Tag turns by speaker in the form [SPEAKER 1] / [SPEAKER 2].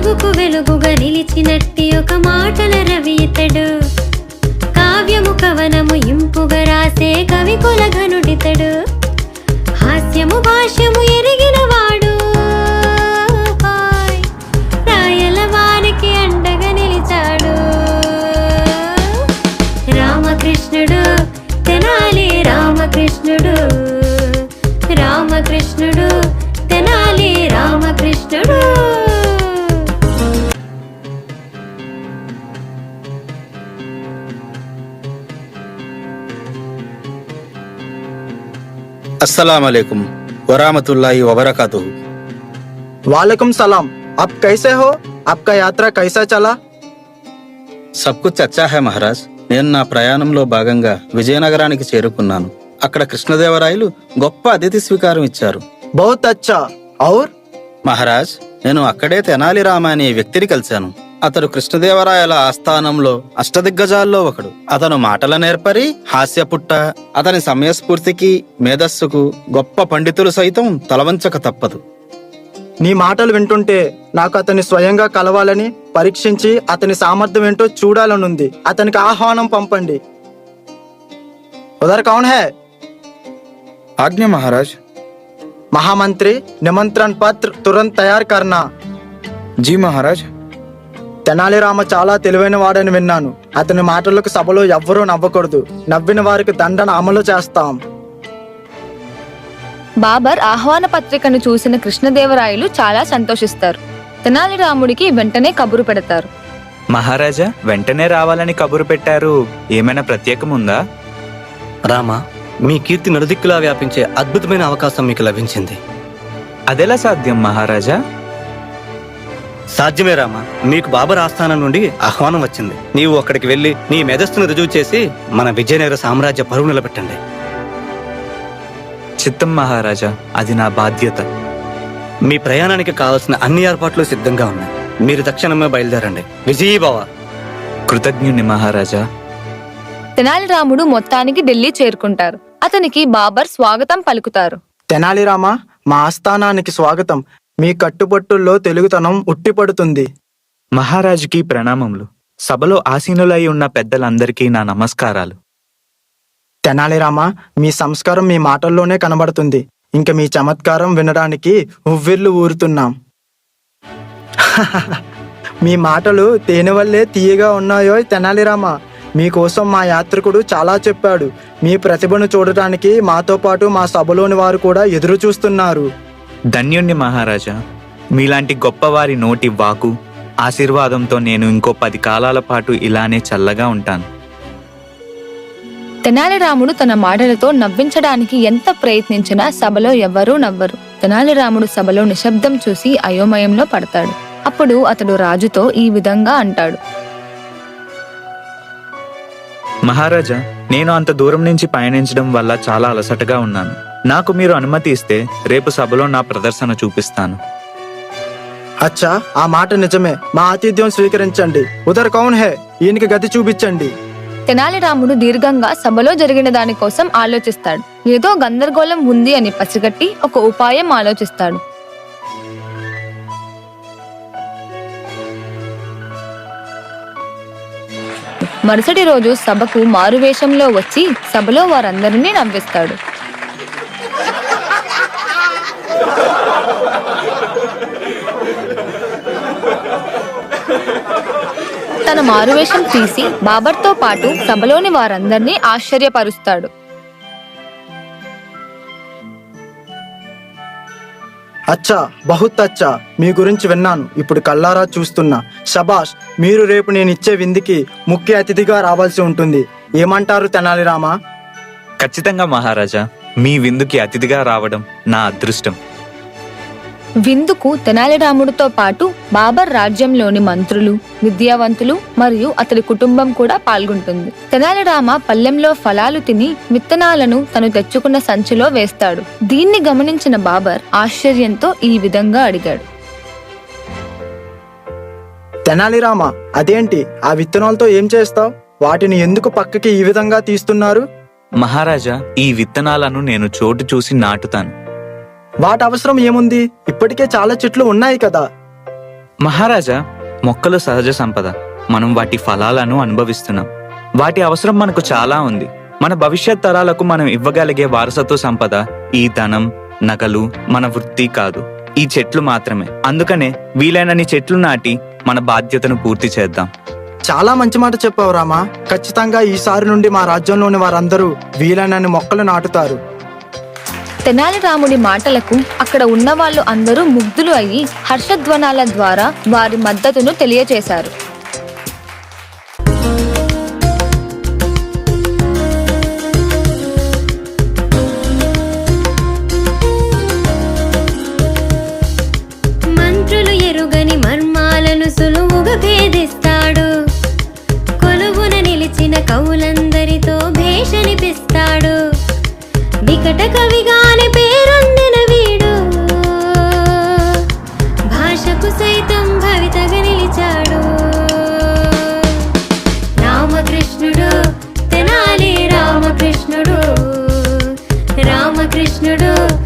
[SPEAKER 1] వెలుగుకు వెలుగుగా నిలిచినట్టి ఒక మాటల రవి ఇతడు. కావ్యము కవనము ఇంపుగా రాసే కవి కులఘనుడితడు. హాస్యము భాష్యము ఎరిగిన వాడు, రాయల వారికి అండగా నిలిచాడు. రామకృష్ణుడు తెనాలి రామకృష్ణుడు, రామకృష్ణుడు తెనాలి రామకృష్ణుడు.
[SPEAKER 2] अस्सलाम वालेकुम वरामतुल्लाहि वबरकातुहू।
[SPEAKER 3] वालेकुम सलाम। आप कैसे हो? आपका यात्रा कैसा चला?
[SPEAKER 2] सब कुछ अच्छा है महाराज। నేను నా ప్రయాణంలో భాగంగా విజయనగరానికి చేరుకున్నాను. అక్కడ కృష్ణదేవరాయలు గొప్ప అతిథి స్వీకారం ఇచ్చారు.
[SPEAKER 3] बहुत अच्छा। और
[SPEAKER 2] మహారాజ్, నేను అక్కడే తెనాలి రామ అనే వ్యక్తిని కలిశాను. అతడు కృష్ణదేవరాయల ఆస్థానంలో అష్టదిగ్గజాల్లో ఒకడు. అతను మాటల నేర్పరి, హాస్యపుట్ట. అతని సమయస్ఫూర్తికి మేధస్సుకు గొప్ప పండితులు సైతం తలవంచక తప్పదు.
[SPEAKER 3] నీ మాటలు వింటుంటే నాకు అతన్ని స్వయంగా కలవాలని, పరీక్షించి అతని సామర్థ్యం ఏంటో చూడాలనుంది. అతనికి ఆహ్వానం పంపండి. ఉదర్ కౌన్ హై?
[SPEAKER 4] आज्ञा महाराज।
[SPEAKER 3] महामंत्री, निमंत्रण पत्र तुरंत तैयार करना।
[SPEAKER 4] जी महाराज।
[SPEAKER 3] తెనాలి రామ చాలా తెలివైన వాడని విన్నాను. అతని మాటలకు సభలో ఎవ్వరూ నవ్వకూడదు. నవ్విన వారికి దండన అమలు చేస్తాం.
[SPEAKER 5] బాబర్ ఆహ్వాన పత్రికను చూసిన కృష్ణదేవరాయలు చాలా సంతోషిస్తారు. తెనాలి రాముడికి వెంటనే కబురు పెడతారు.
[SPEAKER 6] మహారాజా, వెంటనే రావాలని కబురు పెట్టారు. ఏమైనా ప్రత్యేకముందా?
[SPEAKER 7] రామా, మీ కీర్తి నలుదిక్కులా వ్యాపించే అద్భుతమైన అవకాశం మీకు లభించింది.
[SPEAKER 6] అదెలా సాధ్యం మహారాజా?
[SPEAKER 7] సాధ్యమే రామా. మీకు బాబర్ ఆస్థానం నుండి ఆహ్వానం వచ్చింది. నీవు అక్కడికి వెళ్లి నీ మేధస్సును రుజువు చేసి మన విజయనగర సామ్రాజ్య పరువు నిలబెట్టండి.
[SPEAKER 6] చిత్తం మహారాజా, అది నా బాధ్యత.
[SPEAKER 7] మీ ప్రయాణానికి కావలసిన అన్ని ఏర్పాట్లు సిద్ధంగా ఉన్నాయి. మీరు తక్షణమే బయలుదేరండి. విజయీభవ.
[SPEAKER 6] కృతజ్ఞుని మహారాజా.
[SPEAKER 5] తెనాలి రాముడు మొత్తానికి ఢిల్లీ చేరుకుంటారు. అతనికి బాబర్ స్వాగతం పలుకుతారు.
[SPEAKER 3] తెనాలి రామ, మా ఆస్థానానికి స్వాగతం. మీ కట్టుబట్టుల్లో తెలుగుతనం ఉట్టిపడుతుంది.
[SPEAKER 6] మహారాజుకి ప్రణామములు. సభలో ఆసీనులై ఉన్న పెద్దలందరికీ నా నమస్కారాలు.
[SPEAKER 3] తెనాలి రామ, మీ సంస్కారం మీ మాటల్లోనే కనబడుతుంది. ఇంక మీ చమత్కారం వినడానికి ఉవ్విర్లు ఊరుతున్నాం. మీ మాటలు తేనె వల్లే తీయగా ఉన్నాయో తెనాలి రామ. మీకోసం మా యాత్రికుడు చాలా చెప్పాడు. మీ ప్రతిభను చూడటానికి మాతో పాటు మా సభలోని వారు కూడా ఎదురు చూస్తున్నారు.
[SPEAKER 6] ధన్యుణ్ణి మహారాజా. మీలాంటి గొప్పవారి నోటి వాకు ఆశీర్వాదంతో నేను ఇంకో 10 కాలాల పాటు ఇలానే చల్లగా ఉంటాను.
[SPEAKER 5] తెనాలి రాముడు తన మాటలతో నవ్వించడానికి ఎంత ప్రయత్నించినా సభలో ఎవ్వరూ నవ్వరు. తెనాలి రాముడు సభలో నిశ్శబ్దం చూసి అయోమయంలో పడతాడు. అప్పుడు అతడు రాజుతో ఈ విధంగా అంటాడు.
[SPEAKER 6] మహారాజా, నేను అంత దూరం నుంచి పయనించడం వల్ల చాలా అలసటగా ఉన్నాను. నాకు మీరు అనుమతి ఇస్తే రేపు సభలో నా ప్రదర్శన చూపిస్తాను.
[SPEAKER 3] అచ్చా, ఆ మాట నిజమే. మా ఆతిథ్యం స్వీకరించండి. ఉదర్ కౌన్ హే? ఈయనకి గతి చూపించండి.
[SPEAKER 5] తెనాలి రాముడు దీర్ఘంగా సభలో జరిగిన దానికోసం ఆలోచిస్తాడు. ఏదో గందరగోళం ఉంది అని పసిగట్టి ఒక ఉపాయం ఆలోచిస్తాడు. మరుసటి రోజు సభకు మారువేషంలో వచ్చి సభలో వారందరినీ నవ్విస్తాడు. తన మారువేషం తీసి బాబర్తో పాటు సభలోని వారందరినీ ఆశ్చర్యపరుస్తాడు.
[SPEAKER 3] అచ్చా, బహుత్ అచ్చా. మీ గురించి విన్నాను, ఇప్పుడు కల్లారా చూస్తున్నా. శబాష్. మీరు రేపు నేను ఇచ్చే విందుకి ముఖ్య అతిథిగా రావాల్సి ఉంటుంది. ఏమంటారు తెనాలి రామ?
[SPEAKER 6] ఖచ్చితంగా మహారాజా. మీ విందుకి అతిథిగా రావడం నా అదృష్టం.
[SPEAKER 5] విందుకు తెనాలి రాముడితో పాటు బాబర్ రాజ్యంలోని మంత్రులు, విద్యావంతులు మరియు అతడి కుటుంబం కూడా పాల్గొంటుంది. తెనాలి రామ పల్లెంలో ఫలాలు తిని విత్తనాలను తను తెచ్చుకున్న సంచిలో వేస్తాడు. దీన్ని గమనించిన బాబర్ ఆశ్చర్యంతో ఈ విధంగా అడిగాడు.
[SPEAKER 3] తెనాలి రామ, అదేంటి? ఆ విత్తనాలతో ఏం చేస్తావు? వాటిని ఎందుకు పక్కకి ఈ విధంగా తీస్తున్నారు?
[SPEAKER 6] మహారాజా, ఈ విత్తనాలను నేను చోటు చూసి నాటుతాను.
[SPEAKER 3] వాటి అవసరం ఏముంది? ఇప్పటికే చాలా చెట్లు ఉన్నాయి కదా.
[SPEAKER 6] మహారాజా, మొక్కలు సహజ సంపద. మనం వాటి ఫలాలను అనుభవిస్తున్నాం. వాటి అవసరం మనకు చాలా ఉంది. మన భవిష్యత్ తరాలకు మనం ఇవ్వగలిగే వారసత్వ సంపద ఈ ధనం, నగలు, మన వృత్తి కాదు, ఈ చెట్లు మాత్రమే. అందుకనే వీలైనన్ని చెట్లు నాటి మన బాధ్యతను పూర్తి చేద్దాం.
[SPEAKER 3] చాలా మంచి మాట చెప్పావు రామా. ఖచ్చితంగా ఈసారి నుండి మా రాజ్యంలోని వారందరూ వీలైనన్ని మొక్కలు నాటుతారు.
[SPEAKER 5] తెనాలి రాముడి మాటలకు అక్కడ ఉన్న వాళ్ళు అందరూ ముగ్ధులు అయ్యి హర్షధ్వనాల ద్వారా వారి మద్దతును తెలియచేశారు.
[SPEAKER 1] మంత్రులు ఎరుగని మర్మాలను సులువుగా భేదిస్తాడు. కొలువున నిలిచిన కవులందరితో భేషనిపిస్తాడు. వికట కవిగాని పేరొందిన వీడు భాషకు సైతం భవితగా నిలిచాడు. రామకృష్ణుడు, తెనాలి రామకృష్ణుడు, రామకృష్ణుడు